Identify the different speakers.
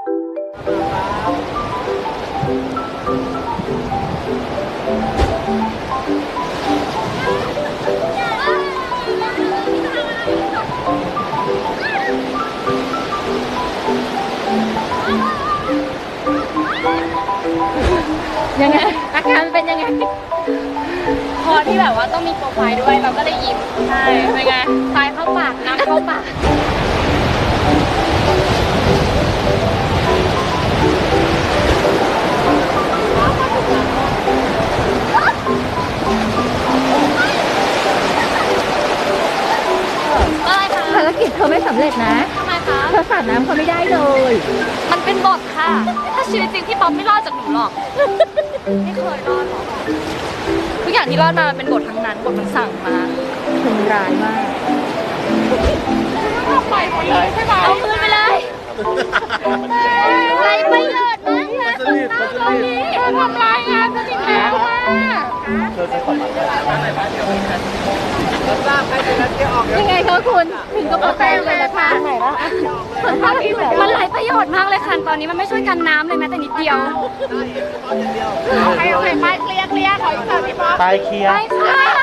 Speaker 1: ยังไงอาการเป็นยังไง
Speaker 2: พอที่แบบว่าต้องมีโปรไฟล์ด้วยเราก็เลยยิ้มใช่เป็นไงทรายเข้าปากน้ำเข้าปาก
Speaker 1: ภารกิจเธอไม่สำเร็จนะ
Speaker 2: ทำไมคะ
Speaker 1: เธอสาดน้ำเขาไม่ได้เลย
Speaker 2: มันเป็นบทค่ะ ถ้าชีวิตจริงพี่ป๊อปไม่รอดจากหนูหรอกไม่เคยรอดหรอกทุกอย่างที่รอดมามันเป็นบททั้งนั้นบทมันสั่งมา
Speaker 1: ถึงร้ายมาก
Speaker 2: ปล่อยหมดเลยใช่ไหมเอาคืนไปเลยไรประโยชน์มากนะคนตาตรงนี้ทำลายงานฉันอีกแล้วอ่ะ
Speaker 1: ยังไงคะคุณถึงกับประแป้งเลยนะคะไหนละคนภาพที่แบบ
Speaker 2: มันไรประโยชน์มากเลยค่ะตอนนี้มันไม่ช่วยกันน้ำเลยแม้แต่นิดเดียว
Speaker 3: ไปเคลียร์
Speaker 2: ไปค่ะ